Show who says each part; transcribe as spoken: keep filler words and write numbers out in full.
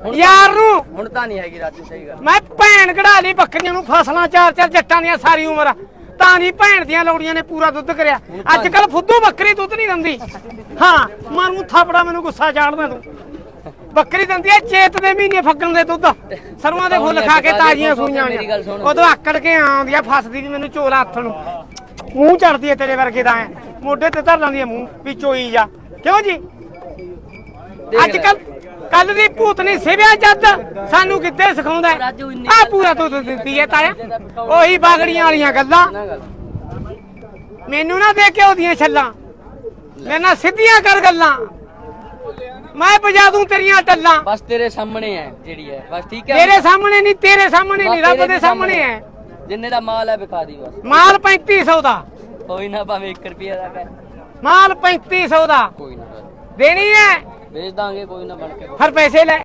Speaker 1: ਯਾਰ ਨੂੰ
Speaker 2: ਹੁਣ ਤਾਂ ਨਹੀਂ ਹੈਗੀ ਰਾਜੂ ਸਹੀ ਗੱਲ।
Speaker 1: ਮੈਂ ਭੈਣ ਕਢਾ ਲਈ ਬੱਕਰੀਆਂ ਨੂੰ ਫਸਲਾਂ ਚਾਰ ਚਾਰ ਜੱਟਾਂ ਦੀਆਂ ਸਾਰੀ ਉਮਰ ਤਾਂ ਨਹੀਂ ਭੈਣ ਦੀਆਂ ਲੋੜੀਆਂ ਨੇ ਪੂਰਾ ਦੁੱਧ ਕਰਿਆ। ਅੱਜ ਕੱਲ ਫੁੱਦੂ ਬੱਕਰੀ ਦੁੱਧ ਨਹੀਂ ਦਿੰਦੀ। ਹਾਂ ਮਾਰੂ ਥਾਪੜਾ ਮੈਨੂੰ ਗੁੱਸਾ ਚਾੜਦਾ ਤੂੰ। ਬੱਕਰੀ ਦਿੰਦੀ ਐ ਚੇਤ ਦੇ ਮਹੀਨੇ ਫੱਗਣ ਦੇ ਦੁੱਧ ਸਰਵਾਂ ਦੇ ਫੁੱਲ ਖਾ ਕੇ ਤਾਜ਼ੀਆਂ ਸੂਈਆਂ ਉਦੋਂ ਆਕੜ ਕੇ ਆਉਂਦੀ ਆ ਫਸਦੀ ਵੀ ਮੈਨੂੰ ਝੋਲਾ ਹੱਥ ਨੂੰ ਮੂੰਹ ਚੜਦੀ ਐ ਤੇਰੇ ਵਰਗੇ ਦਾ ਐ ਮੋਢੇ ਤੇ ਧਰ ਲਾਂਦੀ ਐ ਮੂੰਹ ਵੀ ਚੋਈ ਜਾ ਕਿਉਂ ਜੀ। ਅੱਜ ਕੱਲ ਕੱਲ ਦੀ ਭੂਤਨੀ ਸਿਵਿਆ ਜੱਦ ਸਾਨੂੰ ਕਿੱਥੇ ਸਿਖਾਉਂਦਾ ਆ ਪੂਰਾ ਦੁੱਧ ਦਿੱਤੀ ਐ ਤਾਇਆ ਉਹੀ ਬਾਗੜੀਆਂ ਵਾਲੀਆਂ ਗੱਲਾਂ ਮੈਨੂੰ ਨਾ ਦੇ ਕੇ ਉਹਦੀਆਂ ਛੱਲਾਂ ਮੇਰੇ ਨਾਲ ਸਿੱਧੀਆਂ ਕਰ ਗੱਲਾਂ ਮੈਂ ਬਜਾ ਦੂੰ ਤੇਰੀਆਂ ਟੱਲਾਂ।
Speaker 2: ਬਸ ਤੇਰੇ ਸਾਹਮਣੇ ਹੈ ਜਿਹੜੀ ਹੈ ਬਸ ਠੀਕ ਹੈ।
Speaker 1: ਤੇਰੇ ਸਾਹਮਣੇ ਨਹੀਂ ਤੇਰੇ ਸਾਹਮਣੇ ਨਹੀਂ ਰੱਬ ਦੇ ਸਾਹਮਣੇ ਹੈ।
Speaker 2: ਜਿੰਨੇ ਦਾ ਮਾਲ ਹੈ ਵਿਖਾ ਦੀ ਬਸ।
Speaker 1: ਮਾਲ ਪੈਂਤੀ ਸੌ ਦਾ
Speaker 2: ਕੋਈ ਨਾ ਭਾਵੇਂ ਇੱਕ ਰੁਪਿਆ ਦਾ ਕਰ
Speaker 1: ਮਾਲ ਪੈਂਤੀ ਸੌ ਦਾ
Speaker 2: ਕੋਈ ਨਾ
Speaker 1: ਦੇਣੀ ਹੈ
Speaker 2: ਵੇਚ ਦਾਂਗੇ ਕੋਈ ਨਾ ਬਣ ਕੇ
Speaker 1: ਫਿਰ ਪੈਸੇ ਲੈ।